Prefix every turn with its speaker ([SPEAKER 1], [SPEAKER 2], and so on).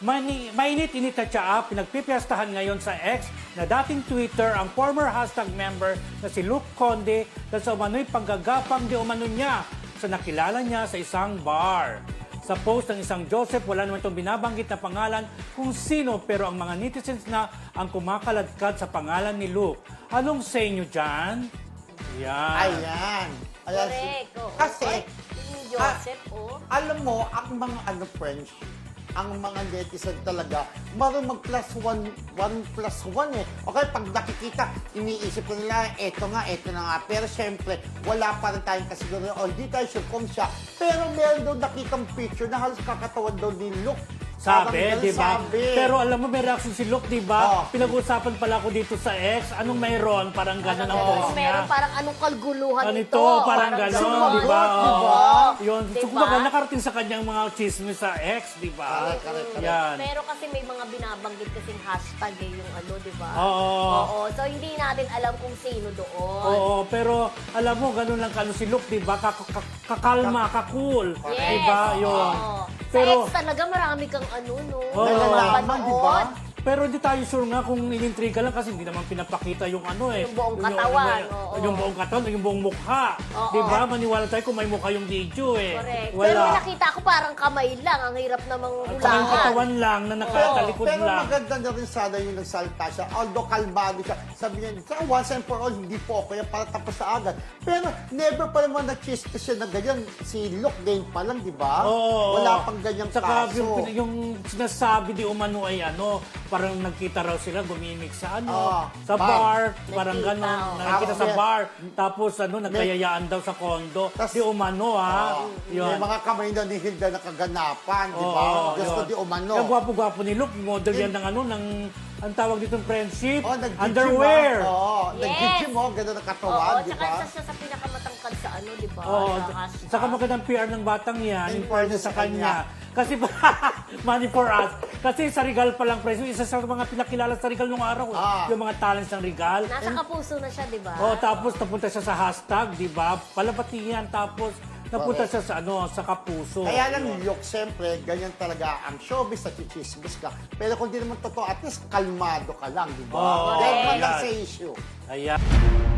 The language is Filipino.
[SPEAKER 1] Mainit-init na tsaa, pinagpipiyastahan ngayon sa X na dating Twitter ang former hashtag member na si Luke Conde dahil sa umano'y panggagapang di umano niya sa nakilala niya sa isang bar. Sa post ng isang Joseph, wala naman itong binabanggit na pangalan kung sino pero ang mga netizens na ang kumakaladkad sa pangalan ni Luke. Anong say nyo dyan? Yan.
[SPEAKER 2] Ayan.
[SPEAKER 3] Correct. Oo.
[SPEAKER 2] Kasi,
[SPEAKER 3] Ni Joseph,
[SPEAKER 2] alam mo, ang mga friends, ang mga netizen talaga, marunong mag one plus one eh. Okay, pag nakikita, iniisip ko nila, eto na nga. Pero syempre, wala pa rin tayong kasiguro, o hindi tayo sure kung siya. Pero meron daw nakitang picture na halos kakatawan daw ni Luke.
[SPEAKER 1] Sabi, di ba?
[SPEAKER 2] Sabi.
[SPEAKER 1] Pero alam mo, may reaction si Luke, di ba?
[SPEAKER 2] Oh.
[SPEAKER 1] Pinag-uusapan pala ako dito sa X. Anong mayroon? Parang gano'n ang post niya.
[SPEAKER 3] meron parang anong kalguluhan
[SPEAKER 1] Ganito, parang gano'n,
[SPEAKER 3] gano'n.
[SPEAKER 1] di ba?
[SPEAKER 2] Diba?
[SPEAKER 1] Yun. So,
[SPEAKER 3] Diba?
[SPEAKER 1] kumbaga, nakarating sa kanyang mga chismis sa X, di ba?
[SPEAKER 2] Correct.
[SPEAKER 1] Yan.
[SPEAKER 3] Pero kasi may mga binabanggit kasing hashtag yung di ba?
[SPEAKER 1] Oo.
[SPEAKER 3] So hindi natin alam kung sino doon.
[SPEAKER 1] Oo, pero alam mo, gano'n lang kano si Luke, di ba? Kakalma, kakul.
[SPEAKER 3] Yes.
[SPEAKER 1] Di ba? Yun.
[SPEAKER 3] Oo.
[SPEAKER 1] Pero,
[SPEAKER 3] sa X talaga marami kang no?
[SPEAKER 1] Oo.
[SPEAKER 2] Nalalaman, di ba?
[SPEAKER 1] pero hindi tayo sure nga kung inintriga lang kasi hindi naman pinapakita yung
[SPEAKER 3] Yung buong katawan, oo.
[SPEAKER 1] Yung buong katawan, yung buong mukha.
[SPEAKER 3] Oo.
[SPEAKER 1] Di ba? Maniwala tayo kung may mukha yung video eh.
[SPEAKER 3] Correct.
[SPEAKER 1] Wala.
[SPEAKER 3] Pero may nakita ko parang kamay lang. Ang hirap namang
[SPEAKER 1] At saka yung
[SPEAKER 3] hulaan.
[SPEAKER 1] katawan lang na nakatalikod
[SPEAKER 2] Pero
[SPEAKER 1] lang.
[SPEAKER 2] maganda na rin sana yung nagsalita siya. Although kalmado siya. Sabi niya, once and for all, hindi po ako yan para tapos sa agad. Pero never pa naman na-chispa siya na ganyan. Si Luke Dane pa lang, di ba?
[SPEAKER 1] Oo.
[SPEAKER 2] Wala pang ganyang
[SPEAKER 1] Saka
[SPEAKER 2] kaso.
[SPEAKER 1] yung sinasabi di umano ay parang nagkita raw sila, gumimik sa sa
[SPEAKER 2] bar.
[SPEAKER 1] bar, parang
[SPEAKER 3] Nagkita,
[SPEAKER 1] gano'n,
[SPEAKER 3] oo.
[SPEAKER 1] nakikita sa
[SPEAKER 2] Ako,
[SPEAKER 1] bar, tapos nagkayayaan daw sa kondo, di umano
[SPEAKER 2] May
[SPEAKER 1] yun.
[SPEAKER 2] mga kamay na ni Hilda na kaganapan, di ba?
[SPEAKER 1] Oo,
[SPEAKER 2] Gusto
[SPEAKER 1] yun.
[SPEAKER 2] di umano.
[SPEAKER 1] Yung gwapo-gwapo ni Luke, model yan ng ang tawag dito friendship,
[SPEAKER 2] Oh, nag-gym,
[SPEAKER 1] underwear.
[SPEAKER 2] Oo,
[SPEAKER 3] Yes.
[SPEAKER 2] nag-gym mo, gano'n ang katawan,
[SPEAKER 3] Oo,
[SPEAKER 2] di
[SPEAKER 3] tsaka
[SPEAKER 2] ba?
[SPEAKER 3] isa siya sa pinakamatangkad sa di ba?
[SPEAKER 1] Oo,
[SPEAKER 3] Na hashtag.
[SPEAKER 1] saka magandang PR ng batang yan,
[SPEAKER 2] In
[SPEAKER 1] in fairness sa kanya. Kasi, money for us. Kasi sa Regal pa lang, presyo, isa sa mga pinakilala sa Regal nung araw. Yung mga talents ng Regal.
[SPEAKER 3] Nasa kapuso na siya, di ba?
[SPEAKER 1] Tapos napunta siya sa hashtag, di ba? Palapati yan, tapos napunta siya sa sa kapuso.
[SPEAKER 2] Kaya lang, Luke, siyempre, ganyan talaga ang showbiz at chichismis ka. Pero kung di naman totoo, at least kalmado ka lang, di ba?
[SPEAKER 1] Oo,
[SPEAKER 2] Dahil man
[SPEAKER 1] yan.
[SPEAKER 2] lang sa issue.
[SPEAKER 1] Ayan.